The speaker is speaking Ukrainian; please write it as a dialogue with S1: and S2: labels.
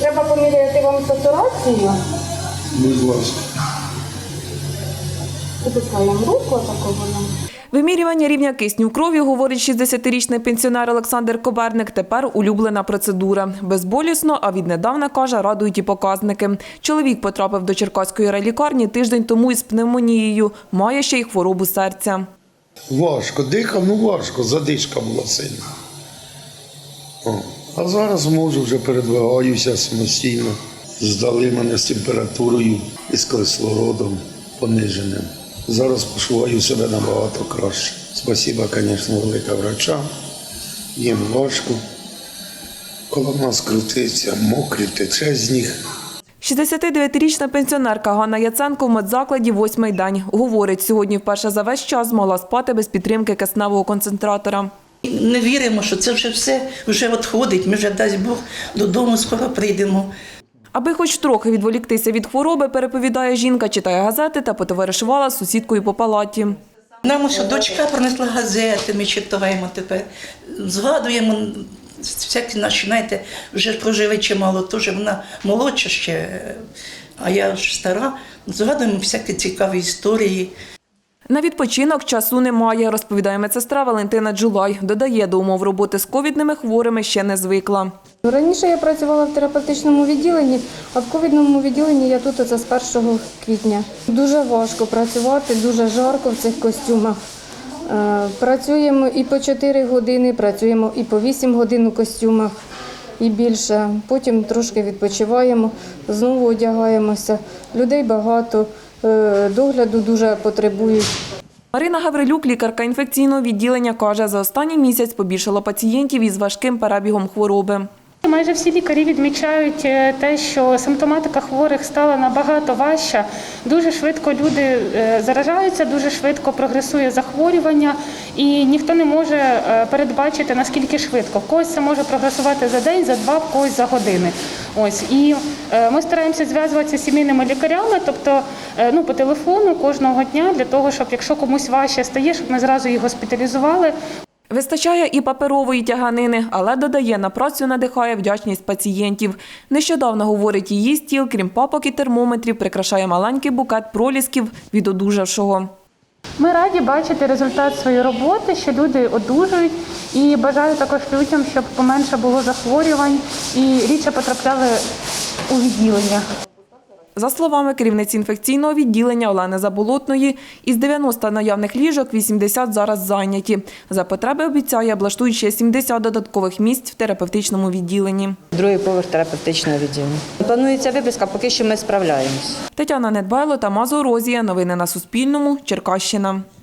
S1: Треба поміряти вам сатурацію.
S2: Будь ласка.
S1: Опускаємо руку, такого нам.
S3: Вимірювання рівня кисню в крові, говорить 60-річний пенсіонер Олександр Коберник, тепер улюблена процедура. Безболісно, а віднедавна, каже, радують і показники. Чоловік потрапив до Черкаської райлікарні тиждень тому із пневмонією. Має ще й хворобу серця.
S2: Важко, дихав, важко, задишка була сильна. А зараз можу, вже передвигаюся самостійно. Здали мене з температурою і з кислородом пониженим. Зараз почуваю себе набагато краще. Спасибо, звісно, велика врача. Їм важко. Коло нас крутиться, мокрі, тече з них.
S3: 69-річна пенсіонерка Ганна Яценко в медзакладі 8-й день. Говорить, сьогодні вперше за весь час змогла спати без підтримки кисневого концентратора.
S4: Не віримо, що це вже все вже відходить. Ми вже, дасть Бог, додому скоро прийдемо.
S3: Аби хоч трохи відволіктися від хвороби, переповідає жінка, читає газети та потоваришувала з сусідкою по палаті.
S4: Нам ось дочка принесла газети, ми читаємо тепер, згадуємо всякі наші, знаєте, вже прожили чимало, теж вона молодша ще, а я ж стара, згадуємо всякі цікаві історії.
S3: На відпочинок часу немає, розповідає медсестра Валентина Джулай. Додає, до умов роботи з ковідними хворими ще не звикла.
S1: Раніше я працювала в терапевтичному відділенні, а в ковідному відділенні я тут оце з 1 квітня. Дуже важко працювати, дуже жарко в цих костюмах. Працюємо і по 4 години, працюємо і по 8 годин у костюмах, і більше. Потім трошки відпочиваємо, знову одягаємося. Людей багато, догляду дуже потребують.
S3: Марина Гаврилюк, лікарка інфекційного відділення, каже, за останній місяць побільшало пацієнтів із важким перебігом хвороби.
S5: Майже всі лікарі відмічають те, що симптоматика хворих стала набагато важча. Дуже швидко люди заражаються, дуже швидко прогресує захворювання, і ніхто не може передбачити, наскільки швидко. В когось це може прогресувати за день, за два, в когось за години. Ось. І ми стараємося зв'язуватися з сімейними лікарями, тобто по телефону кожного дня, для того, щоб якщо комусь важче стає, щоб ми зразу їх госпіталізували.
S3: Вистачає і паперової тяганини, але, додає, на працю надихає вдячність пацієнтів. Нещодавно, говорить, її стіл, крім папок і термометрів, прикрашає маленький букет пролісків від одужавшого.
S5: Ми раді бачити результат своєї роботи, що люди одужують, і бажаю також людям, щоб поменше було захворювань і рідше потрапляли у відділення.
S3: За словами керівниці інфекційного відділення Олени Заболотної, із 90 наявних ліжок 80 зараз зайняті. За потреби, обіцяє, облаштують ще 70 додаткових місць в терапевтичному відділенні.
S6: Другий поверх терапевтичного відділення. Планується виписка, поки що ми справляємось.
S3: Тетяна Недбайло, Тамазо Розія. Новини на Суспільному. Черкащина.